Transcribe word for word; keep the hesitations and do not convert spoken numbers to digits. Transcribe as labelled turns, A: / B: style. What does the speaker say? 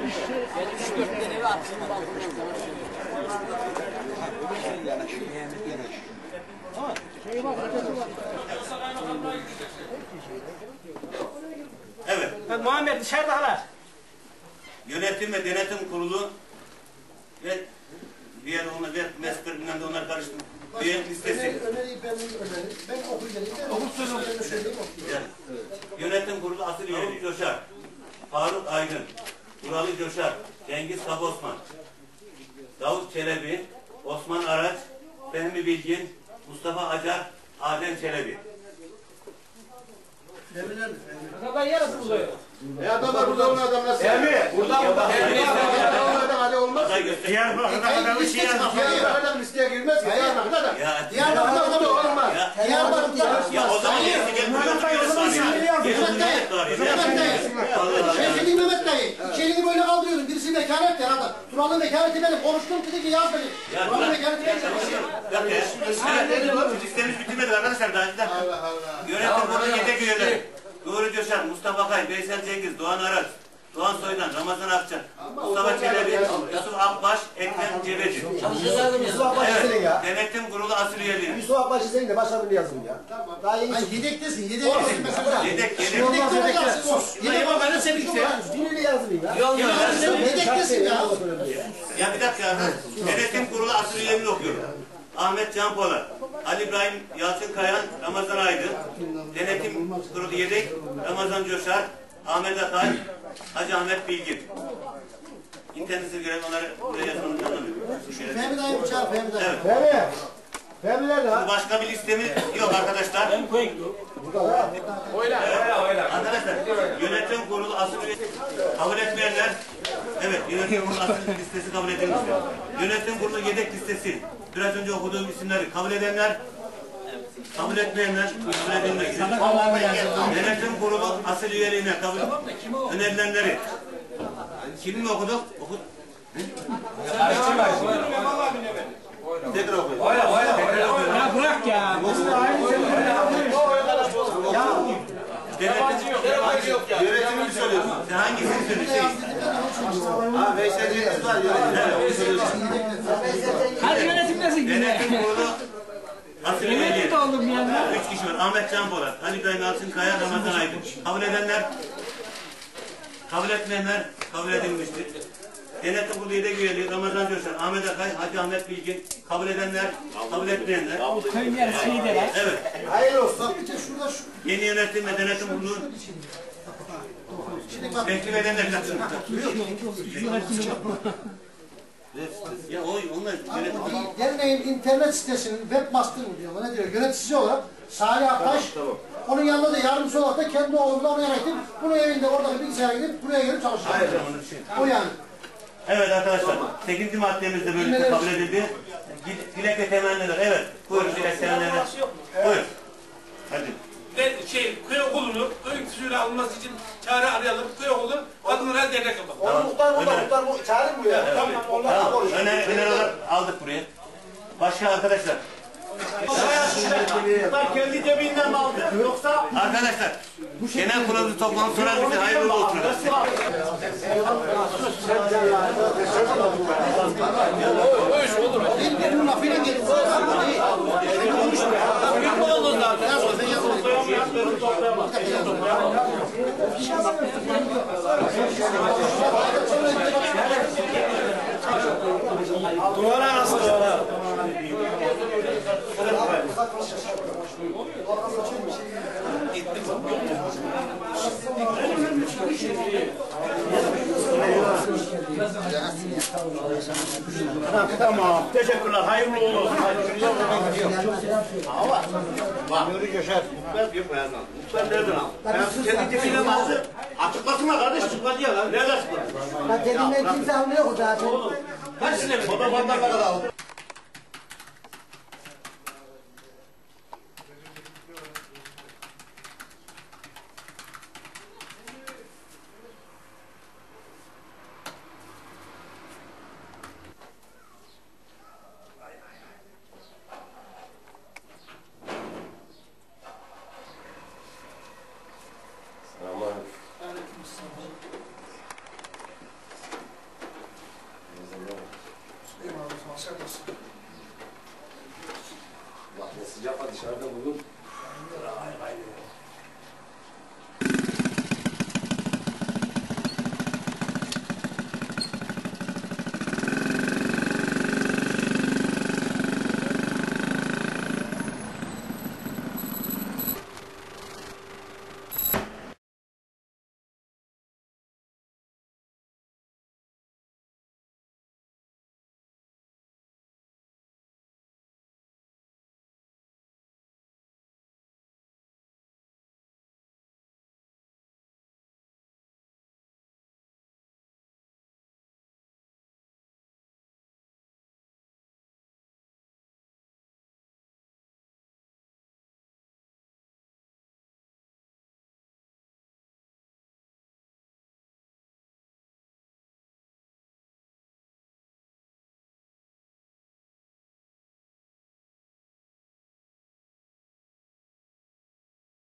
A: Evet.
B: Muhammed dışarıda hala.
A: Yönetim ve denetim kurulu ve diğer onlar ve mesper bilmem de onlar karıştı. Üye listesi.
C: Öneriyi ben öneririm. Ben okuyacağım. Okul söyleyeyim.
A: Yönetim kurulu asıl üyeleri Coşar, Faruk Aydın, Uralı Coşar, Cengiz Kabosman, Davut Çelebi, Osman Araç, Fehmi Bilgin, Mustafa Acar, Adem Çelebi.
B: Adamlar yarısı buluyor.
C: E adamlar burada olan adamlar sen.
D: Emi, burada burada.
C: Hadi olmaz.
D: Diyarbakır'da adamı şey yazmış.
C: Diyarbakır'dan listeye girmez ki. Diyarbakır'da da. Diyarbakır'da da olmaz. Diyarbakır'da.
A: Ya o zaman neyse gel buraya oturuyorsun ya.
C: Mehmet dayı. Mehmet dayı. Şefili Mehmet dayı. İçeriğini böyle kaldırıyordum. Birisi vekalet der adam. Tural'ın vekaleti benim. Konuştum dedi ki yaz beni. Tural'ın vekaleti benim.
A: Listemiz bitirmedi arkadaşlar daha önceden.
C: Allah Allah.
A: Yönetim kurulu yedek üyeleri. Nuri Coşar, Mustafa Kay, Veysel Cengiz, Doğan Araç, Doğan Soydan, Ramazan Akçak, Mustafa Çelebi, Yusuf Akbaş, Ekrem Cebeci.
E: Yusuf Akbaş'ı senin ya.
A: Denetim kurulu asıl üyeliği.
E: Yusuf Akbaş'ı senin de başarılı yazın ya.
C: Tamam.
E: Daha yeni
C: Ay yedektesin. Yedektesin mesela.
A: Yedek, yedek.
C: Yedekte olacaksın.
B: Yedek o benim senin işte.
E: Dinini yazın ya.
C: Yedektesin ya.
A: Ya bir dakika ya. Denetim kurulu asıl üyeliğini okuyorum. Ahmet Can Polat, Ali İbrahim Yalçın Kayan, Ramazan Aydın, Denetim kurulu yedek, Ramazan Coşar, Ahmet Akay, Hacı Ahmet Bilgin. İnternete göre onları buraya yazmanızı anlamıyorum.
C: Fehmi dayı bıçağı Fehmi dayı.
A: Evet.
E: Fehmi. Fehmi nerede ha?
A: Başka bir listemiz yok arkadaşlar.
E: Burada.
B: Oyla, oyla, oyla.
A: Arkadaşlar, yönetim kurulu asıl üyesi kabul etmeyenler, evet, yönetim kurulu asıl listesi kabul edilmiştir. Yönetim kurulu yedek listesi, biraz önce okuduğum isimleri kabul edenler, kabul etmeyenler, kabul edilmektir. Yönetim kurulu asıl üyeliğine kabul önerilenleri. Kimi mi okuduk? Okuduk. Tekrar okuyun.
B: Oyla, oyla, oyla. Ya bırak ya.
A: Ya. Denetim yok. Denetim yok ya. Yönetimini söylüyorsun. Sen hangisini söylüyorsun? Ha, Veysel Cengiz var.
B: Hadi yönetimdesin.
A: Denetim kurulu asıl üyeliği.
B: Yönetim de oldum yanına.
A: Üç kişi var. Ahmet Can Polat, Ali İbrahim Yalçın Kaya, Ramazan Aydın. Kabul edenler, kabul etmeyenler kabul edilmiştir. Denetim kurulu yedek üyeliği Ramazan Coşar, Ahmet Akay, Hacı Ahmet Bilgin. Kabul edenler, kabul etmeyenler.
B: Köyün yarısı şey der.
A: Evet.
C: Hayırlı olsun. Bir de şurada şu.
A: Yeni yönetim ve denetim kurulu teklif edenler kaçın. Ya o onlar yönetim.
C: Derneğin internet sitesinin webmaster mı diyor, ne diyor, yöneticisi olarak Salih Aktaş, onun yanında da yardımcı olarak da kendi oğlumla onu yönetim, bunu evinde oradaki bilgisayara gidip buraya gelip çalışıyor. O yani.
A: Evet arkadaşlar, sekizinci maddemiz de böylelikle kabul edildi. Dilek ve temenniler, evet. Buyurun dilek temenniler. Buyur. Hadi.
F: Ve şey, köy okulunu, köy suyuna alınması için çare arayalım. Köy okulu, kadınlara dernek yapalım.
E: Onu muhtar burada, muhtar bu. Çağırın buraya. Tamam, onlar
A: Tamam.
E: konuşuyor.
A: Öner, öner olarak aldık buraya. Başka arkadaşlar.
D: Bunlar kendi cebinden mi aldı? Yoksa
A: Arkadaşlar, genel kurulu toplantı sorar bize hayırlı olsun.
C: Benim lafıyla gelin.
D: büyük oğlun zaten. Duvara nasıl duvara? Tamam. Teşekkürler. Hayırlı uğurlu olsun. Ama bak Nuri Coşar. Ben yok ben aldım. Sen nereden aldın? Ben kendi cebiyle mi aldım? Açıklasınlar kardeş. Açıkladı ya lan. Nerede açıkladın?
E: Ben kendimden kimse almıyor zaten.
D: Kaçsine mi? Otobandan kadar aldım.
G: Bak ne sıcak var dışarıda bugün.